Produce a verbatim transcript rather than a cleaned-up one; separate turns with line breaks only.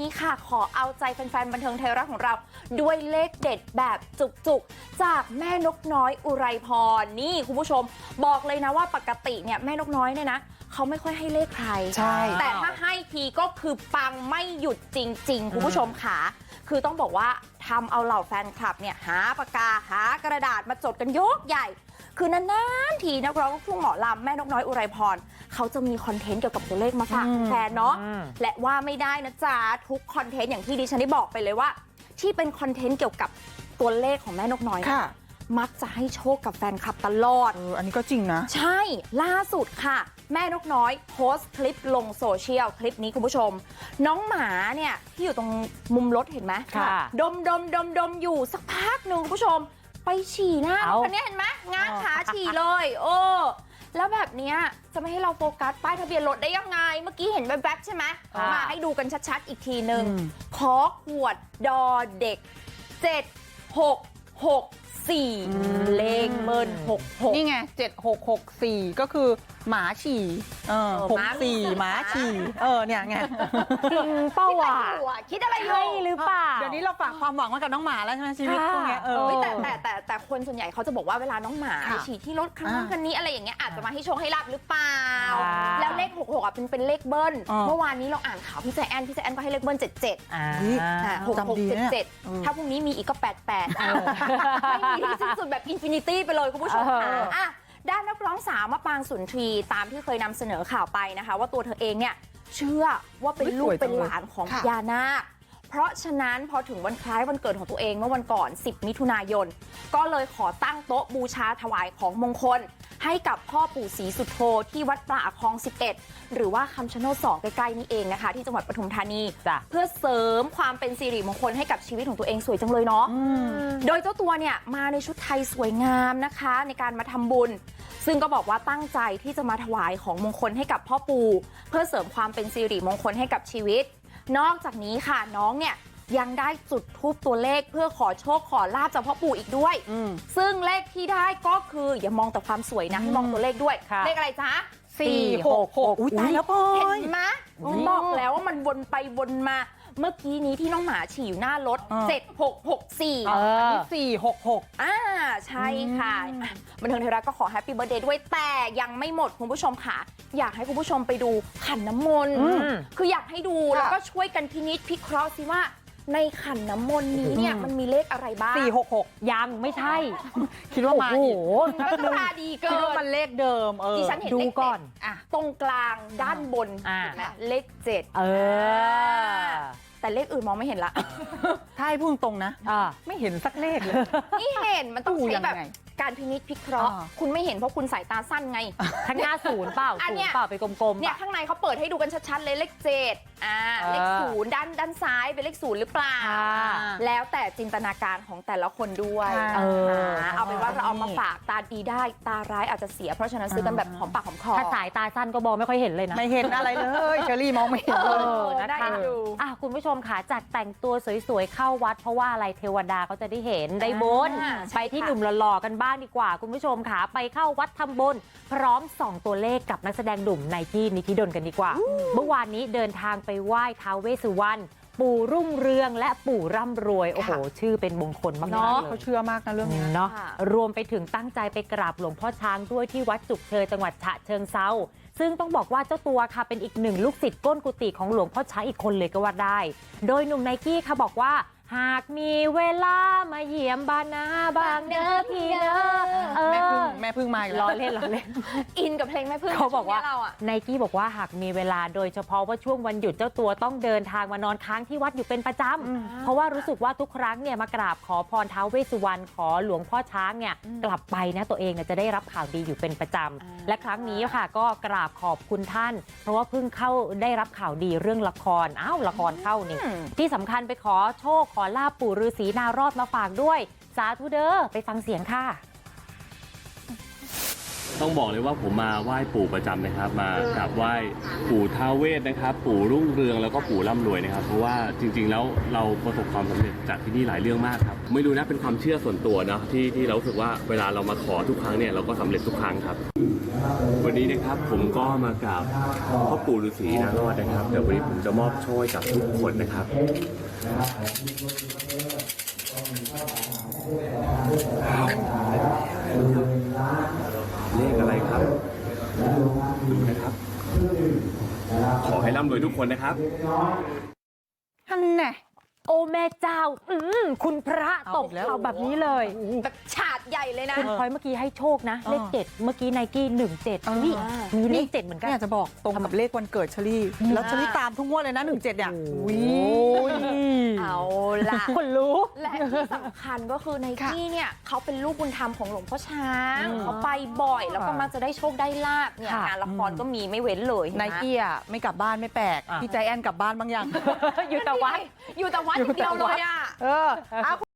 ค่ะขอเอาใจแฟนๆบันเทิงไทยรัฐของเราด้วยเลขเด็ดแบบจุกๆจากแม่นกน้อยอุไรพรนี่คุณผู้ชมบอกเลยนะว่าปกติเนี่ยแม่นกน้อยเนี่ยนะเขาไม่ค่อยให้เลขใคร
ใช่
แต่ถ้าให้ทีก็คือปังไม่หยุดจริงๆคุณผู้ชมค่ะคือต้องบอกว่าทำเอาเหล่าแฟนคลับเนี่ยหาปากกาหากระดาษมาจดกันยกใหญ่คือนานๆทีนักร้องลูกทุ่งหมอลำแม่นกน้อยอุไรพรเขาจะมีคอนเทนต์เกี่ยวกับตัวเลขมาฝากแฟนเนาะและว่าไม่ได้นะจ๊ะทุกคอนเทนต์อย่างที่ดิฉันได้บอกไปเลยว่าที่เป็นคอนเทนต์เกี่ยวกับตัวเลขของแม่นกน้อยค่ะมักจะให้โชคกับแฟนคลับตลอด
เอออันนี้ก็จริงนะ
ใช่ล่าสุดค่ะแม่นกน้อยโพสต์คลิปลงโซเชียลคลิปนี้คุณผู้ชมน้องหมาเนี่ยที่อยู่ตรงมุมรถเห็นไหมค่ะดมดมดมดมอยู่สักพักหนึ่งคุณผู้ชมไปฉี่หน้ารถคันนี้เห็นไหมง้างขาฉี่เลยโอ้แล้วแบบเนี้ยจะไม่ให้เราโฟกัสป้ายทะเบียนรถได้ยังไงเมื่อกี้เห็นแวบๆใช่ไหมมาให้ดูกันชัดๆอีกทีหนึ่งขอขวดดอเด็กเจ็ดหกหกสี่เลขเบิ้ลหกหก
นี่ไงเจ็ดหกหกสี่ก็คือหมาฉี่เออหกสี่หมาฉี่เออเนี่ยไง
จริงเป้าหวานคิดอะไรอยู่
หรือเปล่า
เดี๋ยวนี้เราฝากความหวังไว้กับน้องหมาแล้วใช่ไหมชีวิตพวกเนี้ยเออ
แต่แต่แต่แต่คนส่วนใหญ่เขาจะบอกว่าเวลาน้องหมาฉี่ที่รถคันนั้นคันนี้อะไรอย่างเงี้ยอาจจะมาให้โชคให้ลาบหรือเปล่าแล้วเลขหกหกอ่ะเป็นเป็นเลขเบิ้ลเมื่อวานนี้เราอ่านข่าวพี่ใจแอนพี่ใจแอนก็ให้เลขเบิ้ลเจ็ดเจ็ดหกหกเจ็ดเจ็ดถ้าพรุ่งนี้มีอีกก็แปดแปดไม่มีที่สิ้นสุดแบบอินฟินิตี้ไปเลยคุณผู้ชมค่ะด้านนักร้องสาวมะปรางสุนทรีตามที่เคยนำเสนอข่าวไปนะคะว่าตัวเธอเองเนี่ยเชื่อว่าเป็นลูกเป็นหลานของพญานาคเพราะฉะนั้นพอถึงวันคล้ายวันเกิดของตัวเองเมื่อวันก่อนสิบมิถุนายนก็เลยขอตั้งโต๊ะบูชาถวายของมงคลให้กับพ่อปู่ศรีสุโธที่วัดป่าคลองสิบเอ็ดหรือว่าคำชะโนดสองใกล้ๆนี่เองนะคะที่จังหวัดปทุมธานีเพื่อเสริมความเป็นสิริมงคลให้กับชีวิตของตัวเองสวยจังเลยเนาะโดยเจ้าตัวเนี่ยมาในชุดไทยสวยงามนะคะในการมาทำบุญซึ่งก็บอกว่าตั้งใจที่จะมาถวายของมงคลให้กับพ่อปู่เพื่อเสริมความเป็นสิริมงคลให้กับชีวิตนอกจากนี้ค่ะน้องเนี่ยยังได้จุดทูปตัวเลขเพื่อขอโชคขอลาภจากพ่อปู่อีกด้วยซึ่งเลขที่ได้ก็คืออย่ามองแต่ความสวยนะให้มองตัวเลขด้วยเลขอะไรจ๊ะ
สี่หกหกอุ้ยตายแล้วพ่อ
เห็นไหมบอกแล้วว่ามันวนไปวนมาเมื่อกี้นี้ที่น้องหมาฉี่อยู่หน้ารถเจ็ดหกหกสี่
อันนี้สี่หกหก
อ่าใช่ค่ะบันเทิงไทยรัฐก็ขอแฮปปี้เบิร์ธเดย์ด้วยแต่ยังไม่หมดคุณผู้ชมค่ะอยากให้คุณผู้ชมไปดูขันน้ำมนต์คืออยากให้ดูแล้วก็ช่วยกันพินิจพิเคราะห์สิว่าในขันน้ำมนต์นี้เนี่ยมันมีเลขอะไรบ้าง
สี่หกหก
ยังไม่ใช่
คิดว่ามาอีก
ก็จะพาดีเกิน
คิดว่ามันเลขเดิมเออ
ดิฉันเห็นเลขก่อนตรงกลางด้านบนเลขเจ็ด
เออ
แต่เลขอื่นมองไม่เห็นละ
ถ้าให้พูดตรงนะไม่เห็นสักเลขเลย
นี่เห็นมันต้องใช้แบบการพินิจพิเคราะห์คุณไม่เห็นเพราะคุณสายตาสั้นไง
ข้างหน้าศูนย์เปล่าศูนย์เปล่าไปกลมๆ
เนี่ยข้างในเขาเปิดให้ดูกันชัดๆเลยเลขเจ็ดอ่าเลขศูนย์ด้านด้านซ้ายเป็นเลขศูนย์หรือเปล่าแล้วแต่จินตนาการของแต่ละคนด้วยเออเอาเป็นว่าเราเอามาฝากตาดีได้ตาร้ายอาจจะเสียเพราะฉะนั้นซื้อกันแบบหอมปากหอมคอ
ถ้าสายตาสั้นก็มองไม่ค่อยเห็นเลยนะ
ไม่เห็นอะไรเลยเชอรี่มองไม่เห็นเลย
นะคะอ่ะคุณผู้ชมค่ะจัดแต่งตัวสวยๆเข้าวัดเพราะว่าอะไรเทวดาเขาจะได้เห็นได้บุญไปที่หนุ่มหล่อๆกันบ้างดีกว่าคุณผู้ชมค่ะไปเข้าวัดทำบุญพร้อมส่องตัวเลขกับนักแสดงหนุ่มไนกี้นิธิดลกันดีกว่าเมื่อวานนี้เดินทางไปไหว้ท้าวเวสสุวรรณปู่รุ่งเรืองและปู่ร่ำรวยโอ้โหชื่อเป็นมงคลมากๆเลย
เขาเชื่อมากนะเรื่องนี้
เนาะรวมไปถึงตั้งใจไปกราบหลวงพ่อช้างด้วยที่วัดจุกเชยจังหวัดฉะเชิงเทราซึ่งต้องบอกว่าเจ้าตัวค่ะเป็นอีกหนึ่งลูกศิษย์ก้นกุฏิของหลวงพ่อช้างอีกคนเลยก็ว่าได้โดยหนุ่มไนกี้ค่ะบอกว่าหากมีเวลามาเยี่ยมบ้านนาบางเด้อพี่เด้อ
แม่พึ่งแม่พึ่งมาอีกแล้ว
ล้อเล่นล้อเล่น
อินกับเพลงแม่พึ่ง
เขาบอกว่าไนกี้บอกว่าหากมีเวลาโดยเฉพาะว่าช่วงวันหยุดเจ้าตัวต้องเดินทางมานอนค้างที่วัดอยู่เป็นประจำเพราะว่ารู้สึกว่าทุกครั้งเนี่ยมากราบขอพรท้าวเวสสุวรรณขอหลวงพ่อช้างเนี่ยกลับไปนะตัวเองเนี่ยจะได้รับข่าวดีอยู่เป็นประจำและครั้งนี้ค่ะก็กราบขอบคุณท่านเพราะว่าเพิ่งเข้าได้รับข่าวดีเรื่องละครอ้าวละครเข้านี่ที่สำคัญไปขอโชคขอลาภปู่ฤาษีนารอดมาฝากด้วยสาธุเด้อไปฟังเสียงค่ะ
ต้องบอกเลยว่าผมมาไหว้ปู่ประจำนะครับ มากราบไหว้ปู่ท้าวเวสนะครับ ปู่รุ่งเรืองแล้วก็ปู่ร่ำรวยนะครับ เพราะว่าจริงๆแล้วเราประสบความสำเร็จจากที่นี่หลายเรื่องมากครับไม่รู้นะเป็นความเชื่อส่วนตัวเนาะที่ที่เรารู้สึกว่าเวลาเรามาขอทุกครั้งเนี่ยเราก็สำเร็จทุกครั้งครับ วันนี้นะครับผมก็มากราบพ่อปู่ฤาษีนารอดนะครับเดี๋ยววันนี้ผมจะมอบโชคให้กับทุกคนนะครับเลขอะไรครับดูนะครับขอให้ร่ำรวยทุกคนนะครับ
ท่านแน่
โอ้แม่เจ้า อืมคุณพระตก
เอาอีกแล้ว
เราแบบนี้เลย
แบบฉาดใหญ่เลยนะ
คุณพลอยเมื่อกี้ให้โชคนะ เลข
อ่า
เจ็ดเมื่อกี้ไนกี้หนึ่งเจ็ด
อ่า
นี่มีเลขเจ็ดเหมือนกัน
เนี่ยจะบอกตรงกับเลขวันเกิดเชอรี่ แล้วเชอรี่ตามทุกงวดเลยนะหนึ่งเจ็ดเนี่ย
โอ้ย
เอาล่ะ
คนรู้
และที่สำคัญก็คือไนกี้เนี่ยเขาเป็นลูกบุญธรรมของหลวงพ่อช้าง
อืม
เขาไปบ่อยแล้วก็มักจะได้โชคได้ลาบเนี่ย
ค่ะ
งานละครก็มีไม่เว้นเลยเห็
ไน
หม
กี้อ่ะไม่กลับบ้านไม่แปลก
อ่ะ
พี่ใจแอนกลับบ้านบ้างยัง
อยู่แต่วัด
อยู่แต่วัดอย่างเดียวเลยอ่ะ
เออเอา